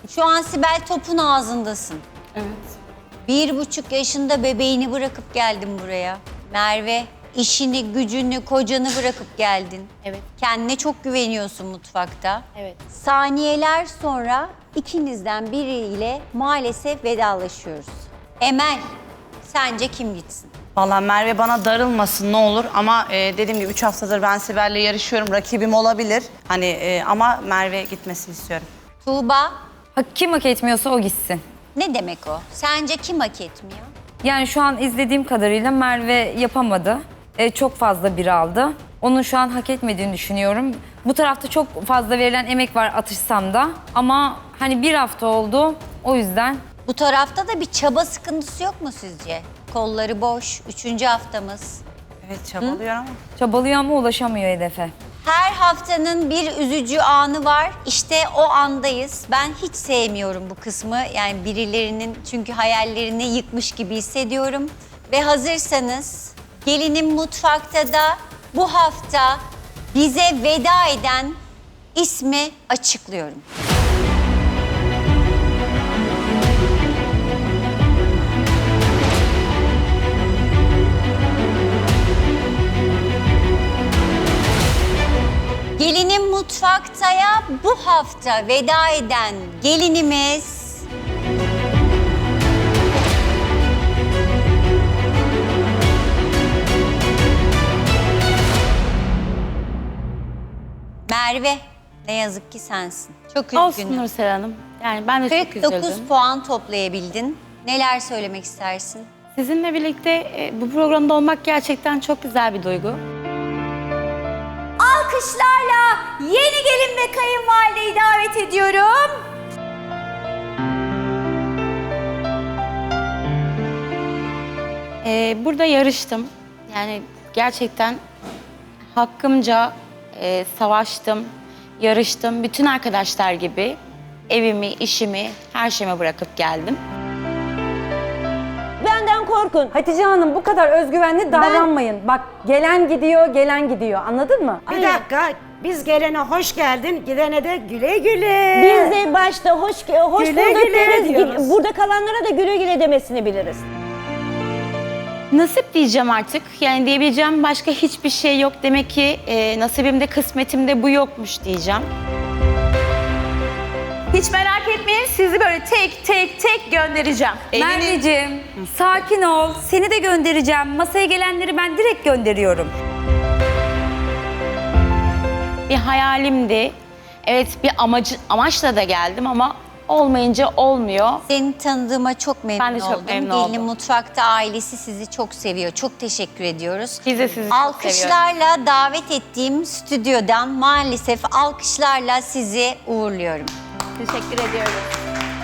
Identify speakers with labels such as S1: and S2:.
S1: Şu an Sibel topun ağzındasın.
S2: Evet.
S1: 1,5 yaşında bebeğini bırakıp geldin buraya. Merve, işini, gücünü, kocanı bırakıp geldin.
S2: Evet.
S1: Kendine çok güveniyorsun mutfakta.
S2: Evet.
S1: Saniyeler sonra ikinizden biriyle maalesef vedalaşıyoruz. Emel, sence kim gitsin?
S3: Vallahi Merve bana darılmasın ne olur ama dediğim gibi 3 haftadır ben Sibel'le yarışıyorum. Rakibim olabilir. Hani ama Merve gitmesini istiyorum.
S1: Tuğba,
S4: Kim hak etmiyorsa o gitsin.
S1: ne demek o? Sence kim hak etmiyor?
S4: Yani şu an izlediğim kadarıyla Merve yapamadı. Çok fazla bir aldı. Onun şu an hak etmediğini düşünüyorum. Bu tarafta çok fazla verilen emek var atışsam da. Ama hani bir hafta oldu o yüzden.
S1: Bu tarafta da bir çaba sıkıntısı yok mu sizce? Kolları boş, 3. haftamız.
S3: Evet çabalıyor ama.
S4: Çabalıyor ama ulaşamıyor hedefe.
S1: Her haftanın bir üzücü anı var. İşte o andayız. Ben hiç sevmiyorum bu kısmı. Yani birilerinin çünkü hayallerini yıkmış gibi hissediyorum. Ve hazırsanız Gelinim Mutfak'ta da bu hafta bize veda eden ismi açıklıyorum. Gelinim Mutfakta'ya bu hafta veda eden gelinimiz... Merve. Ne yazık ki sensin. Çok
S2: Olsun
S1: üzgünüm.
S2: Nursel Hanım. Yani ben de çok
S1: 49
S2: üzüldüm.
S1: puan toplayabildin. Neler söylemek istersin?
S2: Sizinle birlikte bu programda olmak gerçekten çok güzel bir duygu.
S1: Alkışlarla yeni gelin ve kayınvalideyi davet ediyorum.
S2: Burada yarıştım. Yani gerçekten hakkımca savaştım, yarıştım. Bütün arkadaşlar gibi evimi, işimi, her şeyimi bırakıp geldim.
S5: Benden korkun.
S6: Hatice Hanım bu kadar özgüvenli davranmayın. Bak gelen gidiyor, gelen gidiyor. Anladın mı?
S7: Bir dakika, biz gelene hoş geldin, gidene de güle güle.
S5: Biz de başta hoş
S7: Güle
S5: bulduk
S7: güle
S5: deriz.
S7: diyoruz.
S5: Burada kalanlara da güle güle demesini biliriz.
S2: Nasip diyeceğim artık. Yani diyebileceğim başka hiçbir şey yok. Demek ki nasibimde, kısmetimde bu yokmuş diyeceğim.
S8: Hiç merak etmeyin, sizi böyle tek tek göndereceğim.
S4: Merveciğim sakin ol. Seni de göndereceğim. Masaya gelenleri ben direkt gönderiyorum.
S2: Bir hayalimdi. Evet bir amaçla da geldim ama olmayınca olmuyor.
S1: Seni tanıdığıma çok memnun
S2: Ben de çok
S1: oldum.
S2: memnun
S1: Gelin
S2: oldum.
S1: Mutfak'ta ailesi sizi çok seviyor. Çok teşekkür ediyoruz.
S2: Biz de sizi çok seviyoruz.
S1: Alkışlarla davet ettiğim stüdyodan maalesef alkışlarla sizi uğurluyorum.
S8: Teşekkür ediyorum.